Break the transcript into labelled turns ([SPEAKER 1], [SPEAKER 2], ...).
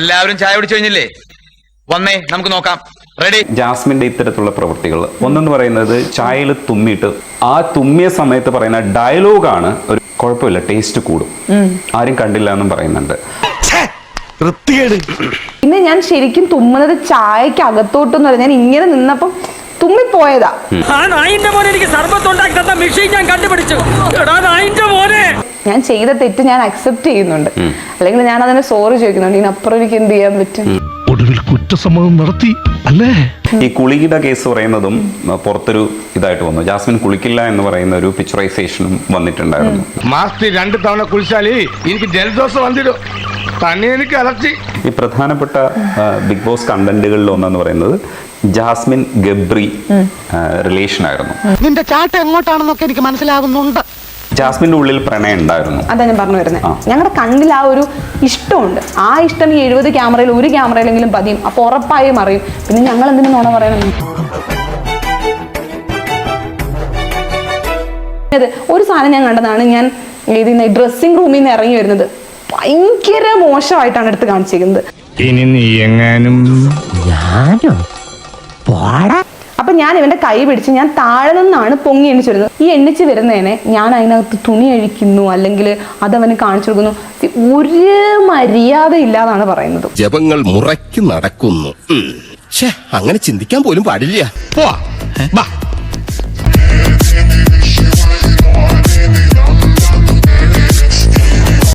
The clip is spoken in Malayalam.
[SPEAKER 1] എല്ലാവരും ചായ കുടിച്ചു കഴിഞ്ഞില്ലേ? വന്നേ നമുക്ക് നോക്കാം. റെഡി?
[SPEAKER 2] ജാസ്മിന്റെ ഇത്തരത്തിലുള്ള പ്രവൃത്തികൾ ഒന്നെന്ന് പറയുന്നത് ചായയിൽ തുമ്മിയിട്ട് ആ തുമ്മിയ സമയത്ത് പറയുന്ന ഡയലോഗാണ് ഒരു കുഴപ്പമില്ല, ടേസ്റ്റ് കൂടും, ആരും കണ്ടില്ല എന്നും പറയുന്നുണ്ട്.
[SPEAKER 3] പിന്നെ ഞാൻ ശരിക്കും തുമ്മുന്നത് ചായക്ക് അകത്തോട്ടെന്ന് പറഞ്ഞാൽ ഞാൻ ഇങ്ങനെ നിന്നപ്പം തുമ്മിപ്പോയതാ. ഞാൻ ചെയ്ത തെറ്റ് ഞാൻ അക്സെപ്റ്റ് ചെയ്യുന്നുണ്ട്, അല്ലെങ്കിൽ ഞാൻ അതിനെ സോറി ചോദിക്കുന്നുണ്ട്. ഇതിനപ്പുറം എനിക്ക് എന്ത് ചെയ്യാൻ പറ്റും?
[SPEAKER 4] ഒടുവിൽ കുറ്റസമ്മതം നടത്തി അല്ലേ?
[SPEAKER 2] ഈ കുളിയുടെ കേസ് പറയുന്നതും പുറത്തൊരു ഇതായിട്ട് വന്നു. ജാസ്മിൻ കുളിക്കില്ല എന്ന് പറയുന്ന ഒരു പിക്ചറൈസേഷനും വന്നിട്ടുണ്ടായിരുന്നു.
[SPEAKER 4] മാസത്തിൽ 2 തവണ കുളിച്ചാല് എനിക്ക് ജലദോഷം വന്നിടും, തന്നെ എനിക്ക് അലർജി.
[SPEAKER 2] ഈ പ്രധാനപ്പെട്ട ബിഗ് ബോസ് കണ്ടന്റുകളിൽ ഒന്നെന്ന് പറയുന്നത് ജാസ്മിൻ ഗബ്രി റിലേഷൻ ആയിരുന്നു.
[SPEAKER 5] നിന്റെ ചാട്ട എങ്ങോട്ടാണെന്നൊക്കെ എനിക്ക് മനസ്സിലാകുന്നുണ്ട്.
[SPEAKER 2] ജാസ്മിന്റെ ഉള്ളിൽ പ്രണയം ഉണ്ടായിരുന്നു.
[SPEAKER 3] അതാ ഞാൻ പറഞ്ഞു വരുന്നത്. ഞങ്ങളുടെ കണ്ണിൽ ആ ഒരു ഇഷ്ടമുണ്ട്. ആ ഇഷ്ടം ഈ 70 ക്യാമറയിൽ ഒരു ക്യാമറയിലെങ്കിലും പതിയും. അപ്പൊ ഉറപ്പായും അറിയും. പിന്നെ ഞങ്ങൾ എന്തിനു നോണ പറയണം? ഒരു സാധനം ഞാൻ കണ്ടതാണ്. ഞാൻ ഡ്രസ്സിംഗ് റൂമിൽ നിന്ന് ഇറങ്ങി വരുന്നത് ഭയങ്കര മോശമായിട്ടാണ് എടുത്ത് കാണിച്ചിരിക്കുന്നത്.
[SPEAKER 4] ഇനി നീ എങ്ങാനും
[SPEAKER 3] അപ്പൊ ഞാൻ ഇവന്റെ കൈ പിടിച്ച് ഞാൻ താഴെ നിന്നാണ് പൊങ്ങി എണ്ണിച്ചു വരുന്നത്. ഈ എണ്ണിച്ച് വരുന്നതിനെ ഞാൻ അതിനകത്ത് തുണി അഴിക്കുന്നു, അല്ലെങ്കിൽ അതവന് കാണിച്ചു കൊടുക്കുന്നു. ഒരു മര്യാദ ഇല്ലാന്നാണ് പറയുന്നത്.
[SPEAKER 6] ജപങ്ങൾ മുറയ്ക്ക് നടക്കുന്നു. അങ്ങനെ ചിന്തിക്കാൻ പോലും പാടില്ല.